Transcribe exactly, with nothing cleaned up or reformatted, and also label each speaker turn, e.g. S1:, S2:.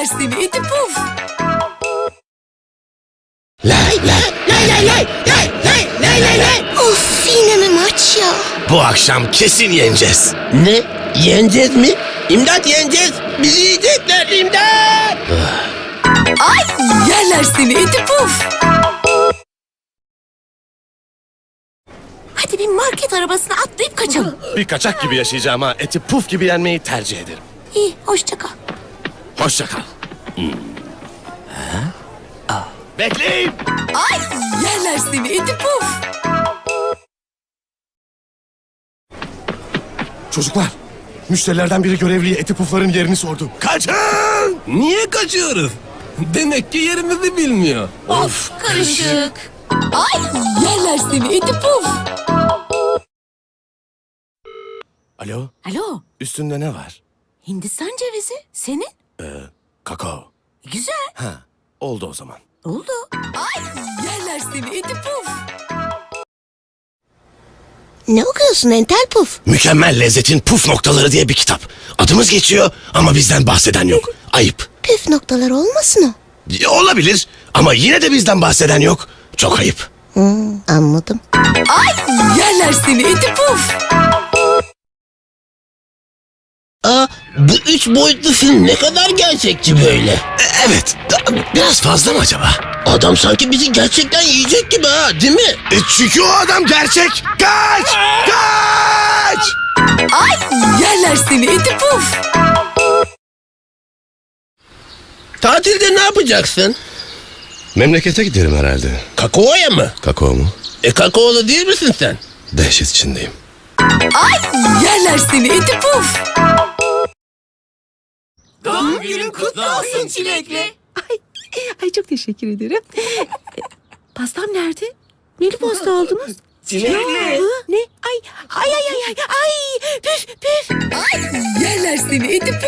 S1: seni iti puf.
S2: Lay lay lay lay lay lay lay lay lay lay.
S3: Of, yine mi maç ya?
S2: Bu akşam kesin yeneceğiz.
S4: Ne? Yeneceğiz mi? İmdat, yeneceğiz. Bizi yiyecekler, imdat.
S1: Ay yerler seni iti puf. Hadi bir market arabasına atlayıp kaçalım.
S2: Bir kaçak gibi yaşayacağım ha. Eti puf gibi yenmeyi tercih ederim.
S1: İyi, hoşça kal.
S2: Hoşça kal. Hmm. Bekleyin.
S1: Ay yerler seni iti puf.
S5: Çocuklar, müşterilerden biri görevliye eti pufların yerini sordu. Kaçın!
S4: Niye kaçıyoruz? Demek ki yerimizi bilmiyor.
S1: Of karışık. Ay yerler seni iti puf.
S2: Alo,
S1: Alo,
S2: üstünde ne var?
S1: Hindistan cevizi. Senin?
S2: Kakao.
S1: Güzel.
S2: Ha, oldu o zaman.
S1: Oldu. Ay yerler seni iti puf.
S3: Ne okuyorsun entel puf?
S2: Mükemmel lezzetin puf noktaları diye bir kitap. Adımız geçiyor ama bizden bahseden yok. Ayıp.
S3: Püf noktalar olmasın o?
S2: E, Olabilir ama yine de bizden bahseden yok. Çok ayıp.
S3: Hmm, anladım.
S1: Ay yerler seni iti puf.
S4: Aa, bu üç boyutlu film ne kadar gerçekçi böyle.
S2: E, evet, da- biraz fazla mı acaba?
S4: Adam sanki bizi gerçekten yiyecek gibi ha, değil mi?
S2: E, çünkü o adam gerçek. Kaç! Kaç!
S1: Ay yerler seni iti puf.
S4: Tatilde ne yapacaksın?
S2: Memlekete giderim herhalde.
S4: Kakao'ya mı?
S2: Kakao mu?
S4: E kakaolu değil misin sen?
S2: Dehşet içindeyim.
S1: Ay yerler seni iti puf.
S6: Doğum günün kutlu olsun çilekli.
S7: Ay, ay çok teşekkür ederim. E, Pastam nerede? Neli pasta aldınız?
S6: Çilekli.
S7: Hı? Ne? Ay, ay, ay, ay, ay, ay, püf, püf.
S1: Ay yerler seni iti puf.